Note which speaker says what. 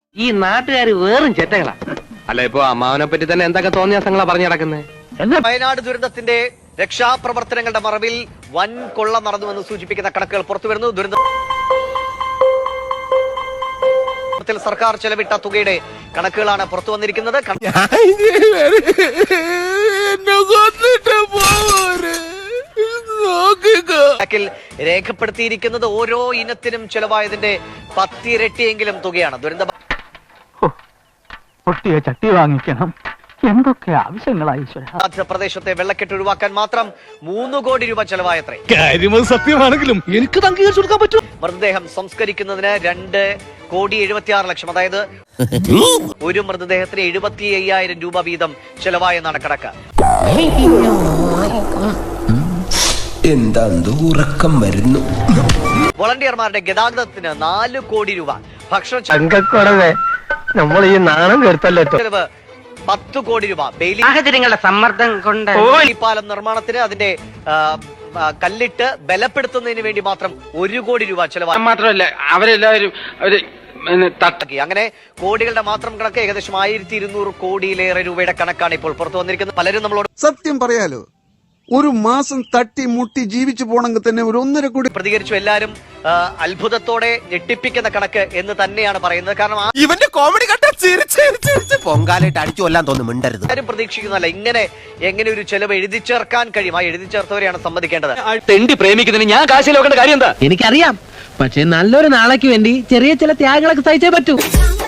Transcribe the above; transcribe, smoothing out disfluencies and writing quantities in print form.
Speaker 1: ഈ നാട്ടുകാർ വേറും ചെറ്റകളാ. അല്ല, ഇപ്പൊ അമ്മാവനെ പറ്റി തന്നെ എന്തൊക്കെ തോന്നിയാസങ്ങളാ പറഞ്ഞു നടക്കുന്നത്.
Speaker 2: വയനാട് ദുരന്തത്തിന്റെ രക്ഷാപ്രവർത്തനങ്ങളുടെ മറവിൽ വൻ കൊള്ള നടന്നുവെന്ന് സൂചിപ്പിക്കുന്ന കണക്കുകൾ പുറത്തുവരുന്നു. ദുരന്തത്തിൽ സർക്കാർ ചെലവിട്ട തുകയുടെ കണക്കുകളാണ് പുറത്തു വന്നിരിക്കുന്നത്. രേഖപ്പെടുത്തിയിരിക്കുന്നത് ഓരോ ഇനത്തിനും ചെലവായതിന്റെ 10 ഇരട്ടിയെങ്കിലും തുകയാണ്. ദുരന്ത
Speaker 3: പൊട്ടിയ ചട്ടി വാങ്ങിക്കണം, എന്തൊക്കെ ആവശ്യങ്ങളായി.
Speaker 2: പ്രദേശത്തെ വെള്ളക്കെട്ട് ഒഴിവാക്കാൻ മാത്രം 3 കോടി രൂപ ചെലവായത്രേ.
Speaker 4: സത്യമാണെങ്കിലും എനിക്ക് അംഗീകരിച്ചു കൊടുക്കാൻ പറ്റും.
Speaker 2: മൃതദേഹം സംസ്കരിക്കുന്നതിന് 2,76,00,000, അതായത് ഒരു മൃതദേഹത്തിന് 75,000 രൂപ വീതം ചെലവായെന്നാണ് കണക്ക്.
Speaker 5: എന്താ ഉറക്കം വരുന്നു.
Speaker 2: വോളണ്ടിയർമാരുടെ ഗതാഗതത്തിന് 4 കോടി രൂപ, ഭക്ഷണ
Speaker 1: നമ്മൾ ഈ നാണം കേട്ടല്ലോ.
Speaker 2: ചെലവ് 10 കോടി രൂപ,
Speaker 1: സാഹചര്യങ്ങളുടെ സമ്മർദ്ദം കൊണ്ട്
Speaker 2: പാലം നിർമ്മാണത്തിന് അതിന്റെ കല്ലിട്ട് ബലപ്പെടുത്തുന്നതിന് വേണ്ടി മാത്രം 1 കോടി രൂപ ചെലവായി.
Speaker 1: മാത്രമല്ല, അവരെല്ലാവരും
Speaker 2: അങ്ങനെ കോടികളുടെ മാത്രം കണക്ക് ഏകദേശം 1,200 കോടിയിലേറെ രൂപയുടെ കണക്കാണ് ഇപ്പോൾ പുറത്തു വന്നിരിക്കുന്നത്. പലരും നമ്മളോട്
Speaker 6: സത്യം പറയാലോ, ഒരു മാസം തട്ടി മുട്ടി ജീവിച്ചു പോണെങ്കിൽ തന്നെ ഒരു 1.5 കോടി
Speaker 2: പ്രതികരിച്ചു. എല്ലാരും അത്ഭുതത്തോടെ ഞെട്ടിപ്പിക്കുന്ന കണക്ക് എന്ന് തന്നെയാണ് പറയുന്നത്. കാരണം
Speaker 5: ഇവന്റെ കോമഡി കണ്ട പൊങ്കാലായിട്ട് അടിച്ചു കൊല്ലാൻ തോന്നുന്നു. മിണ്ടരുത്.
Speaker 2: ആരും പ്രതീക്ഷിക്കുന്നല്ല എങ്ങനെ ഒരു ചെലവ് എഴുതി ചേർക്കാൻ കഴിയും. ആ എഴുതി ചേർത്തവരെയാണ് സമ്മതിക്കേണ്ടത്.
Speaker 1: തെണ്ടി പ്രേമിക്കുന്നതിന് ഞാൻ കാശിൽ നോക്കേണ്ട കാര്യം എന്താ?
Speaker 7: എനിക്കറിയാം, പക്ഷെ നല്ലൊരു നാളേക്ക് വേണ്ടി ചെറിയ ചില ത്യാഗങ്ങളൊക്കെ സഹിച്ചേ പറ്റൂ.